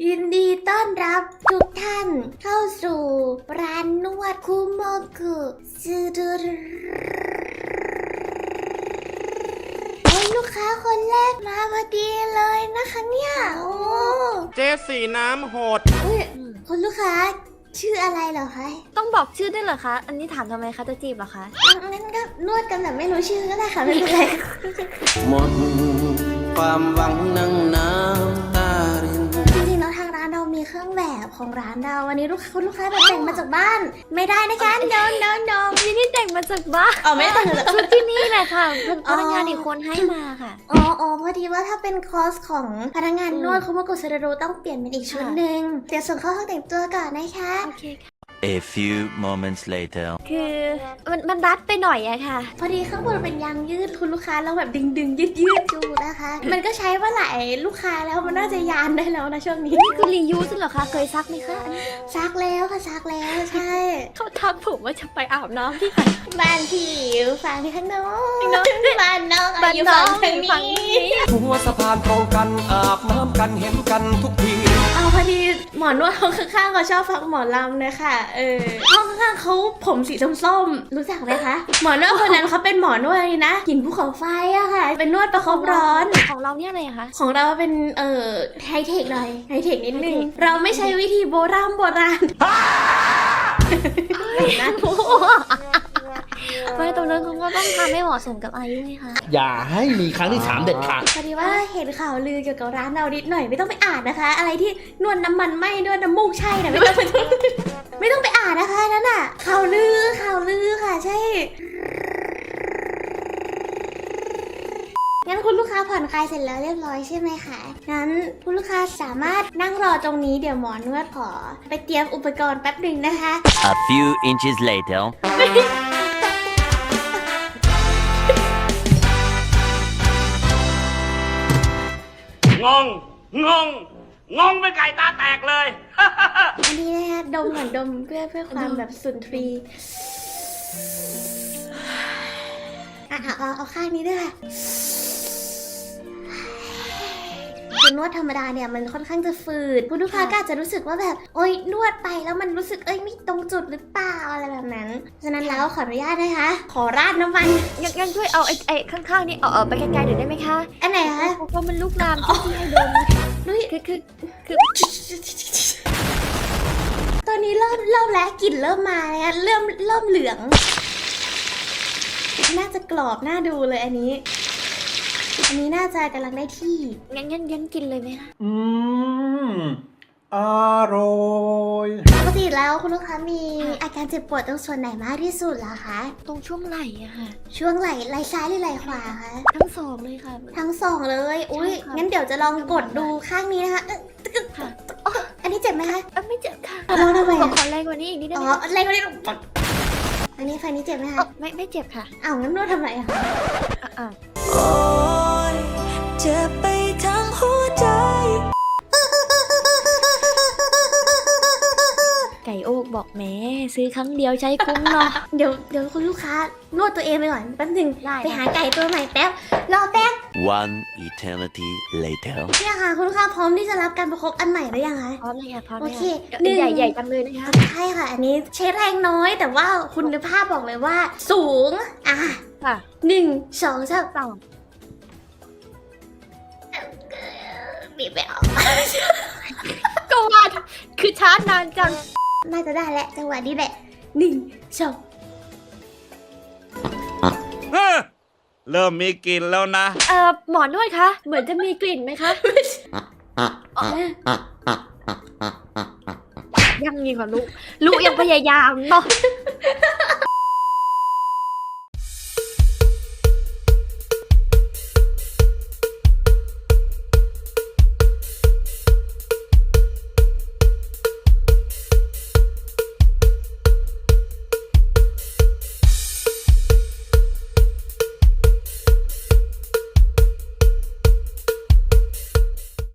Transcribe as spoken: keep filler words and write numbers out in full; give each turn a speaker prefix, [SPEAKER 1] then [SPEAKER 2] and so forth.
[SPEAKER 1] ยินดีต้อนรับทุกท่านเข้าสู่ร้านนวดคุโมกุซูดูโอ้ยลูกค้าคนแรกมาพอดีเลยนะคะเนี่ยโอ้
[SPEAKER 2] เจ๊สีน้ำโหด
[SPEAKER 1] อุ๊ยคุณลูกค้าชื่ออะไรเหรอคะ
[SPEAKER 3] ต้องบอกชื่อด้วยเหรอคะ อันนี้ถามทำไมคะจะจีบเหรอคะ
[SPEAKER 1] งั้นก็นวดกันแบบไม่รู้ชื่อก็ได้ค่ะไม่เป็นไร
[SPEAKER 4] หมดความหวังนั่งน้ำตาริน
[SPEAKER 1] จริงๆแล้วทางร้านเรามีเครื่องแบบของร้านเราวันนี้ลูกคุณลูกค้าแบบแต่งมาจากบ้าน ไม่ได้นะคะ no no no
[SPEAKER 3] นี่นี่แต่งมาจากบ้าน
[SPEAKER 1] อ๋อไม่ได้แต่งเหรอ
[SPEAKER 3] ชุดที่นี่แหละค่ะพนักงาน
[SPEAKER 1] อ๋ออี
[SPEAKER 3] อีกคนให้มาค่ะ
[SPEAKER 1] อ๋ออ๋อพอดีว่าถ้าเป็นคอร์สของพนักงานนวดคุโมกุเซราโดต้องเปลี่ยนเป็นอีกชุดหนึ่งเดี๋ยวส่งเข้าห้องแต่งตัวก่อนนะคะ
[SPEAKER 3] โอเคค่ะ
[SPEAKER 5] A few moments later.
[SPEAKER 3] คือมันมันรัดไปหน่อยอะค่ะ
[SPEAKER 1] พอดีข้างบนเป็นยางยืดคุณลูกค้าเราแบบดึงดึงยืดยืดๆดูนะคะ มันก็ใช้ว่าหลายลูกค้าแล้วมันน่าจะยานได้แล้วนะช่วงนี้
[SPEAKER 3] นี่คือรียูสเหรอคะ เคยซักไหมคะอันนี้
[SPEAKER 1] ซักแล้วค่ะซักแล้วใช่
[SPEAKER 3] เขาทักผมว่าจะไปอาบน้ำที่ไหน
[SPEAKER 1] บ้านพี่อยู่ฝั่งที่ข้างโน้น
[SPEAKER 3] ข้างโน้น
[SPEAKER 1] บ้านน้อง
[SPEAKER 3] บ้าน
[SPEAKER 1] อยู่
[SPEAKER 3] น้อ
[SPEAKER 1] ฝั่
[SPEAKER 3] ง
[SPEAKER 1] ง
[SPEAKER 3] อยู่
[SPEAKER 1] ทาง
[SPEAKER 3] ฝั่ง
[SPEAKER 1] นี้
[SPEAKER 3] นี้
[SPEAKER 4] หัวสะพานตรงกันอาบน้ำกันเห็นกันทุกที
[SPEAKER 1] เอาพอดีหมอนวดห้องข้างๆเขาชอบฟังหมอลำนะคะเออห้องข้างๆเขาผมสีส้มๆรู้จักไหมคะหมอนวดคนนั้นเขาเป็นหมอนวดเลยนะหินภูเขาไฟอะค่ะ เป็นนวดประคบร้อน
[SPEAKER 3] ของเราเนี่ยอะไรอะคะ
[SPEAKER 1] ของเราเป็นเอ่อไฮเทคหน่อยไฮเทคนิดนึง
[SPEAKER 3] ไฮเทค
[SPEAKER 1] เราไม่ใช้วิธีโบราณโบราณนะ
[SPEAKER 3] ไม่ตรงนั้นเขาก็ต้องทำให้เหมาะสมกับอายุไงคะ
[SPEAKER 6] อย่าให้มีครั้งที่สามเด็ดขาด
[SPEAKER 1] พอดีว่าเห็นข่าวลือเกี่ยวกับร้านเรานิดหน่อยไม่ต้องไปอ่านนะคะ อะไรที่นวดน้ำมันไหมนวดน้ำมูกใช่นะไม่ต้องไปไม่ต้องไปอ่านนะคะนั่นน่ะข่าวลือข่าวลือค่ะใช่งั้นคุณลูกค้าผ่อนคลายเสร็จแล้วเรียบร้อยใช่ไหมคะงั้นคุณลูกค้าสามารถนั่งรอตรงนี้เดี๋ยวหมอนวดขอไปเตรียมอุปกรณ์แป๊บหนึ่งนะคะ
[SPEAKER 5] A few inches later.
[SPEAKER 2] งง งง งงเป็นไก่ตาแตกเลย
[SPEAKER 1] อันนี้นะคะดมก่อนดมเพื่อเพื่อความแบบสุนทรีย์อ่ะเอาเอาเอาข้างนี้ด้วยค่ะคือนวดธรรมดาเนี่ยมันค่อนข้างจะฝืดคุณลูกค้าก็อาจจะรู้สึกว่าแบบโอ๊ยนวดไปแล้วมันรู้สึกเอ้ยไม่ตรงจุดหรือเปล่าอะไรแบบนั้นฉะนั้นแล้วขออนุญาตนะคะ ขอราดน้ำมัน
[SPEAKER 3] งั้นงั้นช่วยเอาไอ้ไอ้ข้างๆนี่เอาเอาไปไกลๆหน่อยได้ไหมคะ
[SPEAKER 1] อันไหนคะ
[SPEAKER 3] เพราะมันลุกลามที่ที่ให้โดนนะ
[SPEAKER 1] นุ้ย
[SPEAKER 3] คือคือคือ
[SPEAKER 1] ตอนนี้เริ่มเริ่มแล้วกลิ่นเริ่มมาแล้วเริ่มเริ่มเหลือง น่าจะกรอบน่าดูเลยอันนี้ อันนี้น่าจะกำลังได้ที่
[SPEAKER 3] งั้นงั้นงั้นกินเลยไหมคะ
[SPEAKER 6] อืม อร่อย
[SPEAKER 1] ปกติแล้วคุณลูกค้ามีอาการเจ็บปวดตรงส่วนไหนมากที่สุดเหรอคะ
[SPEAKER 3] ตรงช่วงไหล่อะค่ะ
[SPEAKER 1] ช่วงไหล่ไหล่ซ้ายหรือไหล่ขวาคะ
[SPEAKER 3] ทั้งสองเลยค่ะ
[SPEAKER 1] ทั้งสองเลย อุ้ย
[SPEAKER 3] ใช่ค่ะ
[SPEAKER 1] งั้นเดี๋ยวจะลองกดดูข้างนี้นะคะเอ๊ะตึ๊ก
[SPEAKER 3] ค่ะ
[SPEAKER 1] อ๋ออันนี้เจ็บไหมคะ
[SPEAKER 3] เอ้ยไม่เจ็บค่ะ
[SPEAKER 1] ลองทำไม
[SPEAKER 3] ขอ
[SPEAKER 1] อะ
[SPEAKER 3] ขอแรงกว่านี้อีกนิดได้
[SPEAKER 1] อ๋
[SPEAKER 3] ไห
[SPEAKER 1] อ
[SPEAKER 3] มคะ
[SPEAKER 1] อะไรก็ได้อันนี้ฝั่งนี้เจ็บไหม
[SPEAKER 3] เอ้า
[SPEAKER 1] คะ
[SPEAKER 3] ไม่ไม่เจ็บค่ะ
[SPEAKER 1] อ้าวงั้นนวดทำไมอะคะ
[SPEAKER 3] อ่ะอ่ะ
[SPEAKER 7] โอ้ยเจ็บไปทั้งหัวใจ
[SPEAKER 3] ไก่โอกบอกแหม่ซื้อครั้งเดียวใช้คุ้มเนาะ
[SPEAKER 1] เดี๋ยวเดี๋ยวคุณลูกค้านวดตัวเองไปก่อนแป๊บหนึง
[SPEAKER 3] ได้
[SPEAKER 1] ไปหาไก่ตัวใหม่แป๊บ รอแป๊บ
[SPEAKER 5] One eternity later.
[SPEAKER 1] เนี่ยค่ะคุณลูกค้าพร้อมที่จะรับการประคบอันใหม่หรือยังคะ
[SPEAKER 3] พร้อมเลยค่ะพร้อม
[SPEAKER 1] โอ
[SPEAKER 3] เลย
[SPEAKER 1] เค
[SPEAKER 3] ค่ะ
[SPEAKER 1] หนึ่ง
[SPEAKER 3] ใหญ่ใหญ่จังเลยนะคะ
[SPEAKER 1] ใช่ค่ะ อันนี้ใช้แรงน้อยแต่ว่าคุณภาพบอกเลยว่า สูง อ่ะ
[SPEAKER 3] ค่ะ
[SPEAKER 1] หนึ่งสองสาม
[SPEAKER 3] สอง
[SPEAKER 1] บีบไปออก
[SPEAKER 3] ก็ว่าคือชาร์จนานจัง
[SPEAKER 1] น่าจะได้แหละจังหวะนี้แหละหนึ่งสอง
[SPEAKER 2] เฮ้อเริ่มมีกลิ่นแล้วนะ
[SPEAKER 3] เอ่อหมอนวดคะเหมือนจะมีกลิ่นไหมคะยังมีกว่าลูกลูกยังพยายามเนาะ